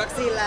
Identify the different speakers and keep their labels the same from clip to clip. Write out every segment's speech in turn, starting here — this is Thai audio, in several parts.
Speaker 1: วัคซีนแล้ว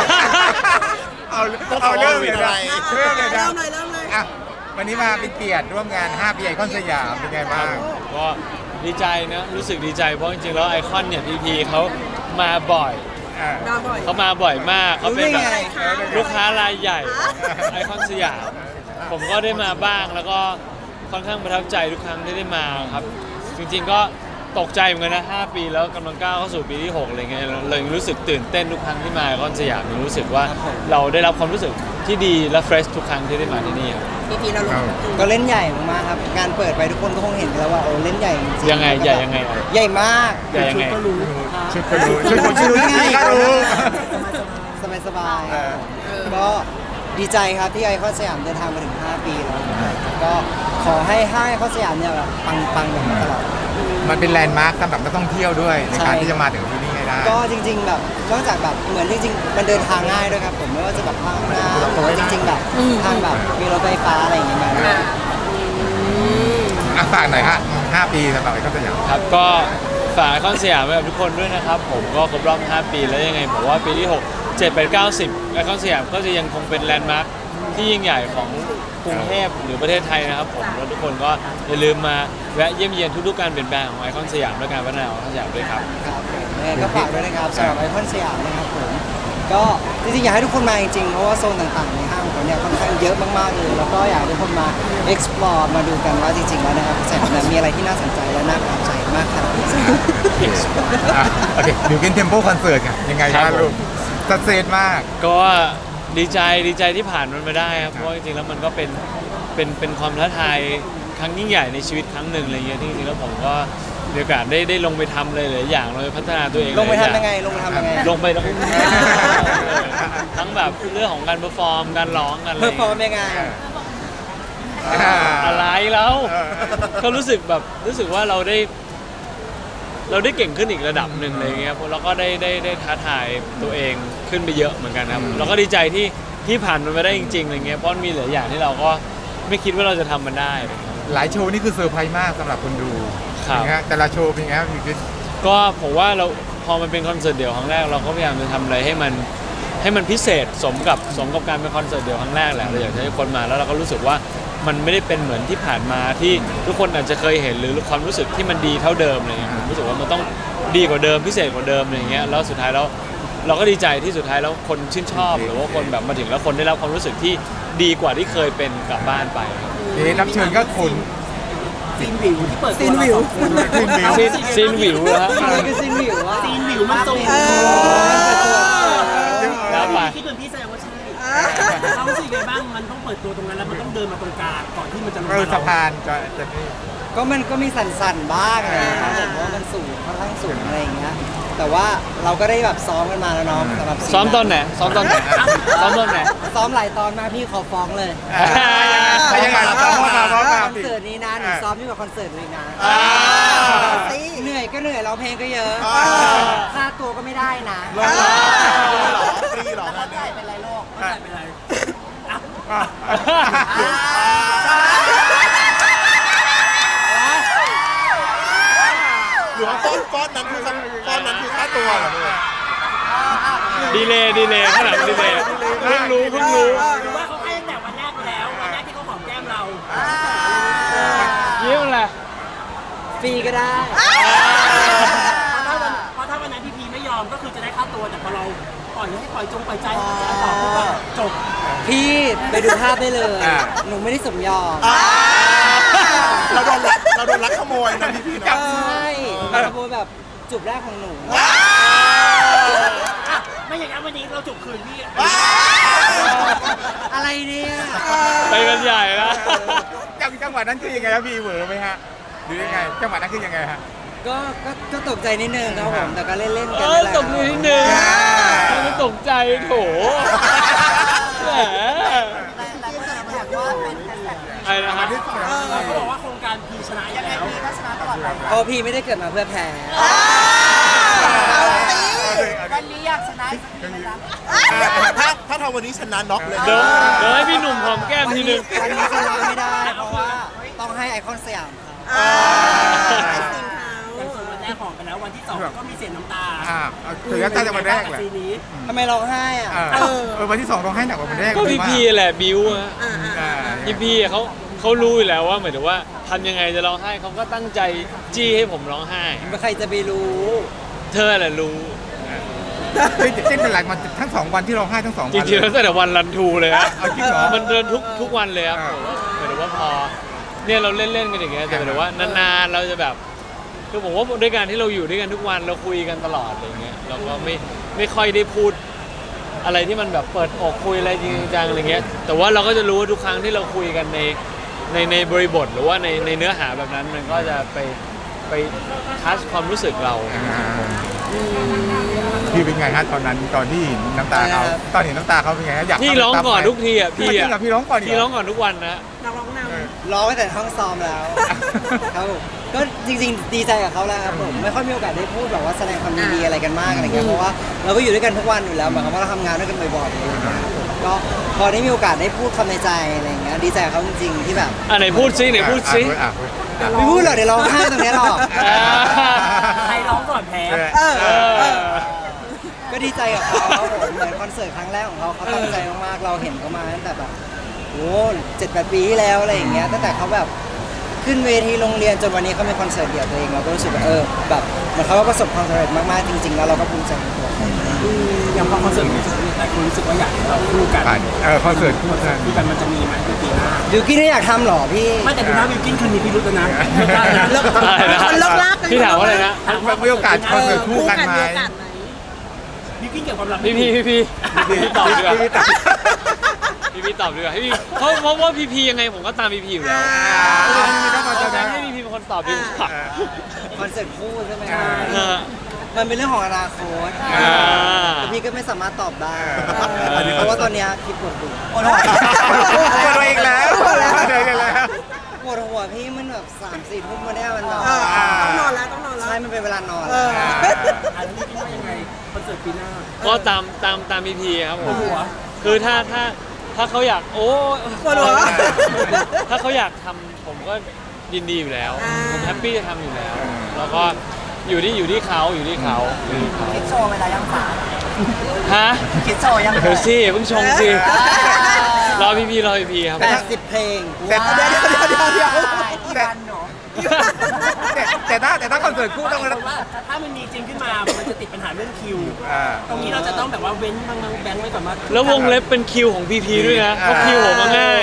Speaker 2: เอาเรื่องเลยนะเรื่องเลยนะ
Speaker 1: เริ่มเลย
Speaker 2: อ่ะวันนี้มาเป็นเกียรติร่วมงาน5 ปีไอคอนสยามเป็นไงบ้าง
Speaker 3: ก็ดีใจนะรู้สึกดีใจเพราะจริงๆแล้วไอคอนเนี่ยพีพีเขามาบ่อย
Speaker 1: มาบ่อย
Speaker 3: เขามาบ่อยมากเขาเป็นแบบ
Speaker 1: รู้ได้ไงคะ
Speaker 3: ลูกค้ารายใหญ่ไอคอนสยามผมก็ได้มาบ้างแล้วก็ค่อนข้างประทับใจทุกครั้งที่ได้มาครับจริงๆก็ตกใจเหมือนกันนะ5 ปีแล้วกำลังก้าวเข้าสู่ปีที่6อะไรเงี้ยเลยรู้สึกตื่นเต้นทุกครั้งที่มาไอคอนสยามรู้สึกว่าเราได้รับความรู้สึกที่ดีและเฟรชทุกครั้งที่ได้มาที่นี่ครับ
Speaker 1: พีเราลง
Speaker 4: ก็เล่นใหญ่มากๆครับงานเปิดไปทุกคนก็คงเห็นกันแล้วว่าโอ้เล่นใหญ่จริงๆ
Speaker 3: ยังไงใหญ่ยังไง
Speaker 4: ใหญ่มาก
Speaker 3: ใหญ่ยังไง
Speaker 2: ชุดก็รู้ชุดคนชื่อนี่ก็รู้
Speaker 4: สบายๆก็ดีใจครับที่ไอคอนสยามเดินทางมาถึง5 ปีแล้วก็ขอให้ห้างไอคอนสยามเนี่ยแบบปังๆแบบนี้ตลอด
Speaker 2: มันเป็นแลนด์มาร์คสำหรับนักท่องเที่ยวด้วยใน
Speaker 4: ใช่
Speaker 2: การที่จะมาถึงที่นี่ให้ได้
Speaker 4: ก็จริง ๆ แบบนอกจากแบบเหมือนจริงๆมันเดินทางง่ายด้วยครับผมไม่ว่าจะแบบทางน้ำหรือว่าจริง ๆ แบบทางแบบมีรถไฟฟ้าอะไรอย่างเงี้ยมาด้วย
Speaker 2: ฝากหน่อยฮะ5 ปีสำหรับไอคอนสยาม
Speaker 3: ครับก็ฝากไอคอนสยามไว้กับทุกคนด้วยนะครับผมก็ครบรอบ5 ปีแล้วยังไงผมว่าปีที่ 6 7 8 9 10ไอคอนสยามก็จะยังคงเป็นแลนด์มาร์คที่ยิ่งใหญ่ของกรุงเทพหรือประเทศไทยนะครับผมแล้วทุกคนก็อย่าลืมมาแวะเยี่ยมเยียนทุกๆการเปลี่ยนแปลงของไอคอนสยามและการพัฒนาของไอคอนสยามด้วยครับ
Speaker 4: ครับผมยังไงก็ฝากด้วยนะครับสำหรับไอคอนสยามนะครับผมก็จริงๆอยากให้ทุกคนมาจริงๆเพราะว่าโซนต่างๆในห้างของเราเนี่ยค่อนข้างเยอะมากๆเลยแล้วก็อยากให้ทุกคนมา explore มาดูกันว่าจริงๆแล้วนะครับสยามเนี่ยมีอะไรที่น่าสนใจและน่าประทับใจมากขนาดไหน
Speaker 2: โอเคบิวกินเทมโปคอนเสิร์ตยังไง
Speaker 3: ครั
Speaker 2: บ้าง
Speaker 3: บผม
Speaker 2: ลูกสัดเซตมาก
Speaker 3: ก็ดีใจที่ผ่านมันมาได้ครับเพราะว่าจริงๆแล้วมันก็เป็นความท้าทายครั้งยิ่งใหญ่ในชีวิตครั้งหนึ่งอะไรเงี้ยที่จริงๆแล้วผมก็มีโอกาสได้ลงไปทำเลยหลายอย่างเลยพัฒนาตัวเอง
Speaker 4: ลงไป
Speaker 3: หา
Speaker 4: ทำยังไง
Speaker 3: อา
Speaker 4: ลงไปทำยังไง
Speaker 3: ลงไปแล้วก็ ทั้งแบบเรื่องของการเ e อร์ฟอร์มการร้องกันอะไร
Speaker 4: เพอร์ฟอร์มยังไง
Speaker 3: อะไรแล้ว
Speaker 2: เออ
Speaker 3: ก็รู้สึกว่าเราได้เก่งขึ้นอีกระดับหนึ่งอะไรเงี้ยแล้วก็ได้ท้าทายตัวเองขึ้นไปเยอะเหมือนกันครับเราก็ดีใจที่ผ่านมันไปได้จริงๆอะไรเงี้ยเพราะมีหลายอย่างที่เราก็ไม่คิดว่าเราจะทำมันได้
Speaker 2: หลายโชว์นี่คือเซอร์ไพรส์มากสำหรับคนดู
Speaker 3: ครับ
Speaker 2: นะฮะแต่ละโชว์เป็นไงครับบิวกิน
Speaker 3: ก็ผมว่าเราพอมันเป็นคอนเสิร์ตเดี่ยวครั้งแรกเราก็พยายามจะทำอะไรให้มันพิเศษสมกับการเป็นคอนเสิร์ตเดี่ยวครั้งแรกแหละเราอยากให้คนมาแล้วเราก็รู้สึกว่ามันไม่ได้เป็นเหมือนที่ผ่านมาที่ทุกคนอาจจะเคยเห็นหรือความรู้สึกที่มันดีเท่าเดิมอะไรเงี้ยผมรู้สึกว่ามันต้องดีกว่าเดิมพิเศษกว่าเดิมอะไรเงี้ยแล้วสุดท้ายแล้วเราก็ดีใจที่สุดท้ายแล้วคนชื่นชอบหรือว่าคนแบบมาถึงแล้วคนได้รับความรู้สึกที่ดีกว่าที่เคยเป็นกลับบ้านไปครับ
Speaker 2: รับเชิญก็คน
Speaker 1: ซีนวิว
Speaker 2: ซีนวิว
Speaker 3: ซีนวิวแล้วฮะ
Speaker 4: อะไรคือซินวิววะ
Speaker 1: ซีนวิวมันตรง
Speaker 3: แล้วไป
Speaker 5: คิดเหมือนพี่แสดงว่าใช่เรารู้สึกยังไงบ้างมันต้องเปิดตัวตรงนั้นแล้วมันต้องเดินมาตรงกลางก่อนที่มันจะลงมา
Speaker 2: สะพานจะนี่
Speaker 4: ก็มันก็มีสั่นๆบ้างนะครับผมเพราะว่ามันสูงค่อนข้างสูงอะไรอย่างเงี้ยแต่ว่าเราก็ได้แบบซ้อมกันมาแล้วเนาะสำหรับ
Speaker 3: ซ้อมตอนไหนซ้อมตอนไหนซ้อมตอนไหน
Speaker 4: ซ้อมหลายตอนมากพี่ขอฟ้องเลย
Speaker 2: ยังไงซ้อมมา
Speaker 4: คอนเสิร์ตนี้นะหนูซ้อมยิ่งกว่าคอนเสิร์ตเลยนะเหนื่อยก็เหนื่อยร้องเพลงก็เยอะค่าตัวก็ไม่ได้นะ
Speaker 2: ฟรีหรอ
Speaker 4: แล้วจ่ายเป็นไรโลก
Speaker 5: ไม่เป็นไร
Speaker 2: หรือว่าก้อนนั้นคือค่าตัวเหรอเนี่ย
Speaker 3: ดีเลยข้างหลังดีเลยเพิ่งรู้
Speaker 5: หรือว่าเขาให้ตั้งแต่วันแรกไปแล้ววันแรกที่เขาหอมแก้มเรา
Speaker 3: ยิ้มอะไร
Speaker 4: ฟรีก็ได้
Speaker 5: เพราะถ้าวันนั้นพี่พีไม่ยอมก็คือจะได้ค่าตัวแต่พอเราปล่อยให้ปล่อยใจจะต่อก็จบ
Speaker 4: พี่ไปดูภาพได้เลย หนูไม่ได้สมยอม
Speaker 2: เราโดนลักขโมยนะพี่ๆ
Speaker 4: ใช
Speaker 2: เนาะ
Speaker 4: ่ขโมยแบบจูบแรกของหนู
Speaker 5: ไม่อย่างนั้นวันนี้เราจบคืนพี่
Speaker 4: อะไรเนี่ย
Speaker 3: ไปกันใหญ่ละ
Speaker 2: จังหวะนั้นคือยังไงครับพี่เหวอไหมฮะหรือยังไงจังหวะนั้นคือยังไงฮะ
Speaker 4: ก็ตกใจนิดนึงครับผมแต่ก็เล่นๆ
Speaker 3: เอ
Speaker 4: กัน
Speaker 3: อ
Speaker 4: นี่แหละ
Speaker 3: ตกนิดนึงไม่ตกใจโถแหมอะไรนะฮะ
Speaker 5: เขาบอกว่าโครงการพีชนะยังไงพีก็ชนะตลอดไป
Speaker 4: โอ้พี่ไม่ได้เกิดมาเพื่อแพ้
Speaker 1: วันนี้อยากชนะ
Speaker 2: ถ้าทำวันนี้ชนะน็อกเลย
Speaker 3: เดี๋ยวให้พี่หนุ่มหอมแก้มทีนึง
Speaker 4: วันนี้ชนะไม่ได้เพราะว่าต้องให้ไอคอนสยามครับ
Speaker 5: อย่างส่วนวันแรกหอมไปแล้ววันที่สองก็มีเสียงน้ำตา
Speaker 2: ถือน้ำตาจากวันแรกแหละ
Speaker 5: ซีนี้
Speaker 4: ทำไมร้องไห้อ่ะ
Speaker 2: วันที่2ต้องให้หนักกว่าวันแรก
Speaker 3: ก็พี่พีแหละบิวอะ
Speaker 2: อ่า
Speaker 3: พี่พีเขารู้อยู่แล้วว่าหมายถึงว่าทำยังไงจะร้องไห้เขาก็ตั้งใจจี้ให้ผมร้องไห้
Speaker 4: ใครจะไปรู้
Speaker 3: เธอแหละรู้
Speaker 2: เส้นเป็นหลักมันทั้ง2วันที่เราให้ทั้ง2
Speaker 3: จ
Speaker 2: วัน
Speaker 3: ริงๆแล้วตั้งแต่วันรันทูเลยครับ
Speaker 2: เอาจริงเหรอ
Speaker 3: มันเดินทุกวันเลยครับ
Speaker 2: อ่า
Speaker 3: หมายถึงว่าพอเนี่ยเราเล่นๆกันอย่างเงี้ยแต่หมายถึงว่านานๆเราจะแบบคือผมว่าด้วยการที่เราอยู่ด้วยกันทุกวันเราคุยกันตลอดอะไรเงี้ยเราก็ไม่ค่อยได้พูดอะไรที่มันแบบเปิดอกคุยอะไรจริงจังอะไรเงี้ยแต่ว่าเราก็จะรู้ว่าทุกครั้งที่เราคุยกันในบริบทหรือว่าในเนื้อหาแบบนั้นมันก็จะไปทัชความรู้สึกเรา
Speaker 2: พี่เป็นไงฮะตอนนั้นตอนที่เห็นน้ำตาเขาตอนเห็นน้ำตาเขาเป็นไงฮะอยาก
Speaker 3: พี่ร้องก่อนทุกทีอ่ะพี่
Speaker 2: จริง
Speaker 3: อ่ะ
Speaker 2: เหรอพี่ร้องก่อน
Speaker 3: พี่ร้องก่อนทุกวันนะ
Speaker 5: นักร้องนำ
Speaker 4: ร้องตั้งแต่ห้องซ้อมแล้วครับผมก็จริงๆดีใจกับเขาแล้วครับผมไม่ค่อยมีโอกาสได้พูดแบบว่าแสดงความยินดีอะไรกันมากอะไรเงี้ยเพราะว่าเราก็อยู่ด้วยกันทุกวันอยู่แล้วหมายความว่าเราทำงานด้วยกันบ่อยๆอะไรเงี้ยครับผมก็พอได้มีโอกาสได้พูดคำในใจอะไรเงี้ยดีใจกับเขาจริงๆที่แบบ
Speaker 3: ไหนพูดซิไหนพูดซิ
Speaker 4: ไม่พูดหรอกเดี๋ยวร้องไห้ตรงเนี้ยหรอก
Speaker 5: ใครร้องก่อนแพ้
Speaker 4: ก็ดีใจกับเขาครับผมเหมือนคอนเสิร์ตครั้งแรกของเขาเขาตั้งใจมากๆเราเห็นเขามาตั้งแต่แบบโอ้7-8 ปีที่แล้วอะไรอย่างเงี้ยตั้งแต่เขาแบบขึ้นเวทีโรงเรียนจนวันนี้เขามีคอนเสิร์ตเดี่ยวตัวเองเราก็รู้สึกว่าแบบเหมือนเขาก็ประสบความสำเร็จมากๆจริงๆแล้วเราก็ภูมิใจในตัวเขา
Speaker 5: อย่างพอคอนเสิร์ตมีหลายคนรู้สึกว่าอยากให้เราคู่กัน
Speaker 2: คอนเสิร์ตคู่กัน
Speaker 5: คู่กันมันจะมีไหมในปีหน้า
Speaker 4: บิวกิ้นไม่อยากทำหรอพี่
Speaker 5: ไม่แต่ดูนะวิวกินคืนนี้พี่รู้แล้วนะไม่ได้นะเลิก
Speaker 3: อะไรนะ
Speaker 1: คนเลิกลากกัน
Speaker 3: พี่ถามว่าอะไรนะ
Speaker 2: มีโอกาสคอนเสิร์ตคู่กันไหม
Speaker 1: มีโอกาสไหม
Speaker 5: วิวกินเกี่ยวกับความรัก
Speaker 3: พี่ตอบดีกว่าพี่ตอบดีกว่าให้พี่เพราะว่าพี่ยังไงผมก็ตามพี่อยู่แล้วให้พี่เป็นคนตอบดีกว่า
Speaker 4: คอนเสิร์ตคู่ใช่ไหม
Speaker 3: เออ
Speaker 4: มันเป็นเรื่องของอนาคต
Speaker 3: อ่า
Speaker 4: แต่พี่ก็ไม่สามารถตอบได้
Speaker 2: อ่า
Speaker 4: เพราะว่าตอนเนี้ยพี่ปวดหัว
Speaker 2: ปวดตัวอีกแล้วเจอกันแล้ว
Speaker 4: ปวดหัวพี่มันแบบ3-4 ทุ่มมาเนี่ยมันแบบ
Speaker 1: ต้องนอนแล้วต้องนอนแล้ว
Speaker 4: ใช่มันเป็นเวลานอน
Speaker 5: อันนี้คิดว่ายังไงคอนเสิร์ตปีหน้า
Speaker 3: ก็ตามพี่ครับผม
Speaker 5: หัว
Speaker 3: คือถ้าเขาอยากโอ้
Speaker 1: ปวดหัว
Speaker 3: ถ้าเขาอยากทำผมก็ยินดีอยู่แล้วผมแฮปปี้จะทำอยู่แล้ว แล้วก็อยู่ที่เขา
Speaker 1: คิดโชว์เวลายังฝา
Speaker 3: ฮะ
Speaker 1: คิดโชว์ยัง
Speaker 3: เดี๋ยวสิเพิ่งชงสิรอพี่ครับ
Speaker 4: 80 เพลง
Speaker 2: แต่
Speaker 1: เดี๋ยวกี่วันหนู
Speaker 2: แต่ถ้าคอนเสิร์ตคู่ต้อง
Speaker 5: เพราะว่าถ้ามันมีจริงขึ้นมา มันจะติดปัญหาเรื่องคิว ตรงนี้เราจะต้องแบบว่าเว้นบางแบงค์ไว้ก่อนว่า
Speaker 3: แล้ววงเล็บเป็นคิวของพีด้วยนะเพราะคิวผมมาง่าย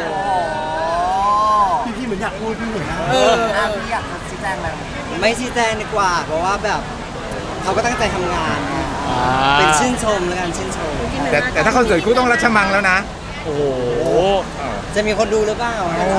Speaker 5: พี่เหมือนอยากพูดพี่เหมือน
Speaker 1: พี่อยากชี้แจงอะไร
Speaker 4: ไม่ชี้แจงดีกว่า เพราะว่าแบบเขาก็ตั้งใจทำงานไงเป็นชื่นชมแล้วกันชื่นชม
Speaker 2: แต่ถ้าคอนเสิร์ตคู่ต้องรัชมังแล้วนะ
Speaker 3: โอ้โห
Speaker 4: จะมีคนดูหรือเปล่า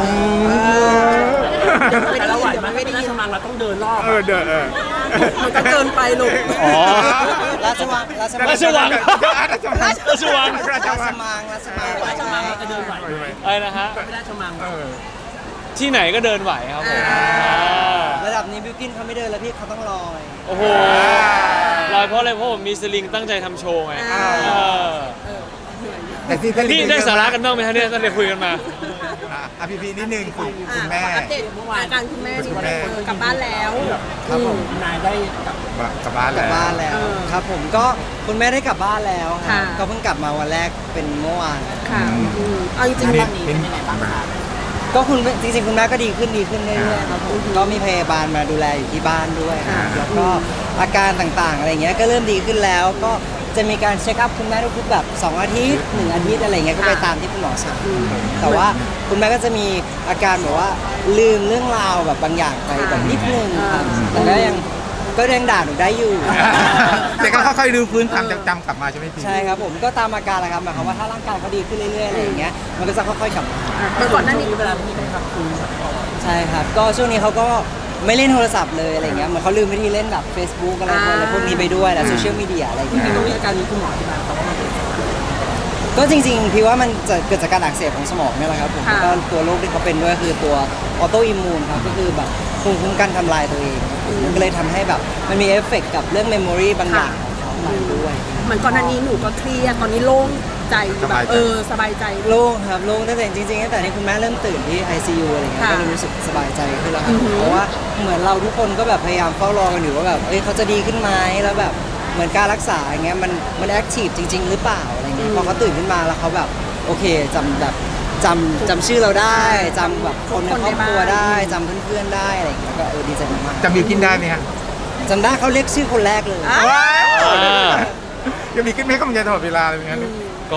Speaker 5: แต่เราไหวไหมไม่ได้ยินมังเราต้องเดินรอบ
Speaker 2: เดิน
Speaker 1: มันก็เกินไปลูก
Speaker 3: อ๋อ
Speaker 4: ราชวัง
Speaker 3: ราชวัง
Speaker 2: ราชมัง
Speaker 4: ราชมังราชมัง
Speaker 5: ราชมังเราจะเดินไหว
Speaker 3: อะไรนะฮะ
Speaker 5: ไม่ได้ชมัง
Speaker 3: ที่ไหนก็เดินไหวครับผม
Speaker 4: ระดับนี้บิวกินเขาไม่เดินแล้วพี่เขาต้องลอย
Speaker 3: โอ้โหลอยเพราะอะไรเพราะผมมีสลิงตั้งใจทำโชว์ไง
Speaker 2: แต่ที่
Speaker 3: นี่ได้สาระกันบ้างไหมฮะเนี่ยตั้งแต่คุยกันมา
Speaker 2: พี่นิดนึงคุณแม่
Speaker 1: อัปเดตอาการคุณแม่ดีกว่ากลับบ้านแล้ว
Speaker 4: ครับผม
Speaker 5: นายได้กับ
Speaker 2: บ้าน
Speaker 4: กลับบ้านแล้ว ครับผมก็คุณแม่ได้กลับบ้านแล้วครับ
Speaker 1: ค่ะ
Speaker 4: ก็เพิ่งกลับมาวันแรกเป็นเมื่อวาน
Speaker 1: ค่ะเอาจริงๆตอนนี้เป็นยังไงบ้างคะ
Speaker 4: ก็จริงๆคุณแม่ก็ดีขึ้นเรื่อยๆครับผมก็มีพยาบาลมาดูแลอยู่ที่บ้านด้วยครับแล้วก็อาการต่างๆอะไรเงี้ยก็เริ่มดีขึ้นแล้วก็จะมีการเช็คอัพคุณแม่ทุกๆแบบ2 อาทิตย์1 อาทิตย์อะไรเงี้ยก็ไปตามที่คุณหมอสั่งแต่ว่าคุณแม่ก็จะมีอาการแบบว่าลืมเรื่องราวแบบบางอย่างไปแบบนิดนึงครับแต่ก็ยังด่าหนูได้อยู่
Speaker 2: แต่ก็ค่อยๆรื้อฟื้นความจำกลับมาใช่ไหมพี่
Speaker 4: ใช่ครับผมก็ตามอาการแหละครับหมายความว่าถ้าร่างกายเขาดีขึ้นเรื่อยๆอะไรอย่างเงี้ยมันก็จะค่อยๆกลับมา
Speaker 1: เมื่อก่อนหน้านี้
Speaker 5: เวลาพี่ได้ทำคุณ
Speaker 4: ใช่ครับก็ช่วงนี้เขาก็ไม่เล่นโทรศัพท์เลยอะไรเงี้ยเหมือนเขาลืมวิธีเล่นแบบ Facebook อะไรพวกนี้ไปด้วยนะโซเชียลมีเดียอะไรเงี้ย
Speaker 5: ตรงนี้อาการนี้คุณหมอที่บ้านเขาว่า
Speaker 4: ก็จริงๆพี่ว่ามันจะเกิดจากการอักเสบของสมองเนี่ยแหละครับผมแล้วก็ตัวโรคที่เขาเป็นด้วยคือตัวออโตอิมมูนครับก็คือแบบภูมิคุ้มกันทำลายตัวเองมันก็เลยทำให้แบบมันมีเอฟเฟกต์กับเรื่องเมมโมรีบางอย่างของเขาไปด้วย
Speaker 1: เหมือนก่อนหน้านี้หนูก็เครียดตอนนี้โล่งใจแบบสบายใจ
Speaker 4: โล่งครับโล่งตั้งแต่จริงๆตั้งแต่ที่คุณแม่เริ่มตื่นที่ ICU อะไรเงี้ย
Speaker 1: ค่ะ
Speaker 4: ก็เลยรู้สึกสบายใจขึ้นแล้วครับเพราะว่าเหมือนเราทุกคนก็แบบพยายามเฝ้ารอกันอยู่ว่าแบบเขาจะดีขึ้นไหมแล้วแบบเหมือนการรักษาอย่างเงี้ยมันแอคทีฟจริง ๆ หรือเปล่าอะไรเงี้ยพอเขาตื่นขึ้นมาแล้วเขาแบบโอเคจำชื่อเราได้จำแบบคนในครอบครัวได้จำเพื่อนๆได้อะไรเงี้ยก็ดีใจมาก
Speaker 2: จำบิวกินได้ไหมฮะ
Speaker 4: ๆจำได้เขาเรียกชื่อคนแรกเลย
Speaker 1: อ่ะ
Speaker 2: ว้าว
Speaker 3: อ่า
Speaker 2: ยังมีขึ้นให้กำลังใจตลอดเวลาเลยเหมือนกัน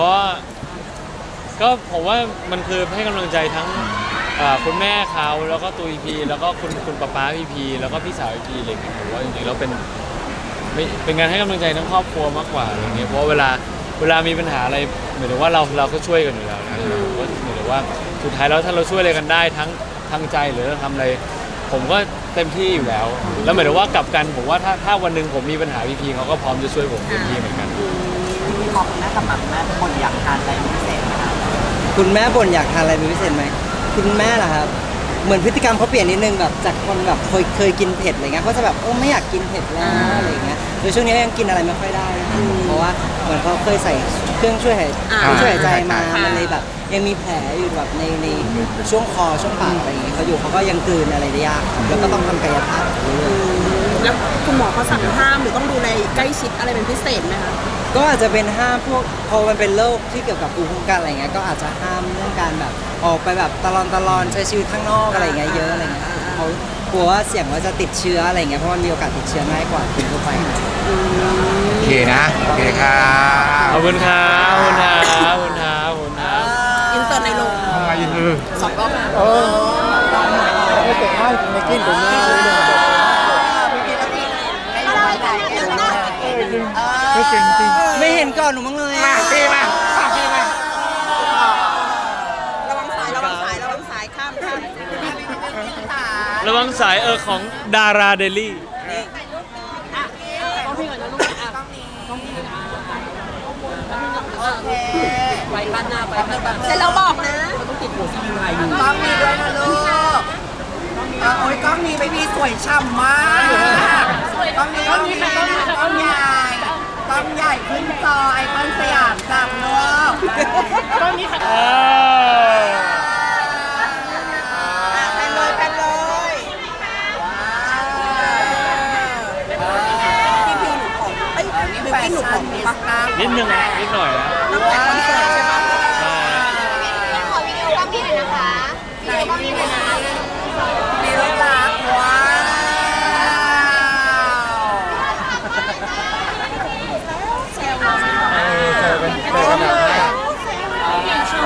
Speaker 3: ก็ผมว่ามันคือให้กำลังใจทั้งคุณแม่เขาแล้วก็ตัวพีแล้วก็คุณป๊าพีแล้วก็พี่สาวพีอะไรอย่างเงี้ยผมว่าจริงๆแล้วเป็นงานให้กำลังใจทั้งครอบครัวมากกว่าอะไรเงี้ยเพราะเวลามีปัญหาอะไรเหมือนว่าเราก็ช่วยกันอยู่แล้วนะผมก็เหมือนว่าสุดท้ายแล้วถ้าเราช่วยอะไรกันได้ทั้งทางใจหรือเราทำอะไรผมก็เต็มที่อยู่แล้ว แล้วเหมือนว่ากลับกันผมว่าถ้าวันหนึ่งผมมีปัญหาพีเขาก็พร้อมจะช่วยผมเต็มที่เหมือนกัน
Speaker 5: ขอบคุณแม่กับแม่คนอยากทานอะไรพิเศษนะครับ
Speaker 4: คุณแม่บ่นอยากทานอะไรเป็นพิเศษไหมคุณแม่ล่ะครับเหมือนพฤติกรรมเขาเปลี่ยนนิดนึงแบบจากคนแบบเคยกินเผ็ดอะไรเงี้ยเขาจะแบบไม่อยากกินเผ็ดแล้วอะไรเงี้ยโดยช่วงนี้ยังกินอะไรไม่ค่อยได้นะครับเพราะว่าเหมือนเขาเคยใส่เครื่องช่วยหายใจมามันเลยแบบยังมีแผลอยู่แบบในช่วงคอช่วงปากอะไรอย่างเงี้ยเขาอยู่เขาก็ยังกลืนอะไรได้ยากครับแล้วก็ต้องทำกายภาพเรื่อยๆ
Speaker 1: แล้วคุณหมอเขาสั่งห้ามหรือต้องดูแลใกล้ชิดอะไรเป็นพิเศษไหมคะ
Speaker 4: ก็อาจจะเป็นห้ามพวกพอมันเป็นโรคที่เกี่ยวกับภูมิคุ้มกันอะไรเงี้ยก็อาจจะห้ามเรื่องการแบบออกไปแบบตลอนใช้ชีวิตข้างนอกอะไรเงี้ยเยอะอะไรเงี้ยเขากลัวว่าเสี่ยงว่าจะติดเชื้ออะไรเงี้ยเพราะมันมีโอกาสติดเชื้อง่ายกว่าคนทั่วไป
Speaker 2: โอเคนะโอเคครับ
Speaker 3: ขอบคุณครับขอบคุณครับขอบคุณครับขอบคุณครับ
Speaker 1: อินเสิร์ตในโรง
Speaker 2: ทำไมยืน
Speaker 1: สองรอบนะ
Speaker 2: ไม่เก่งมากจริงในกินผมไม่รู้เลยไม่เก่งจริง
Speaker 4: ไม่เห็นก่อนหนูมั้งเลย
Speaker 2: มา
Speaker 4: อะ
Speaker 2: พี่มาพี่มา
Speaker 1: ระวังสายระวังสายระวังสายข้าม
Speaker 3: ระวังสายของดาราเดลี่
Speaker 1: เสร็จแล้วบอกนะ
Speaker 5: กล้องนี้ด้วยนะลูกโอ้ยกล้องนี้ไปพี่สวยฉ่ำมากกล้องนี้กล้องใหญ่กล้องใหญ่ขึ้นจอไอคอนสยามจับลูกกล้องนี้ค่ะ
Speaker 1: แพนเลยแพนเลยพี่พีหนูของบิวกิ้นหนูของปะ
Speaker 3: นิดนึงนิดหน่อยนะ
Speaker 1: ตั้งแต่คอนเสิร์ตใช่ปะ
Speaker 3: ใช่
Speaker 6: ขอวิดีโอกล้องนี้หน่อยนะคะวิดีโอกล้องนี้หน่อยนะ
Speaker 5: มีรถลักว้าว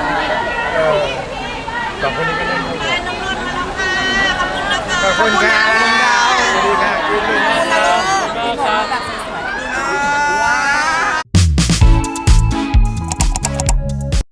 Speaker 2: สองคนนี้ก็เล่นขอบคุณครับ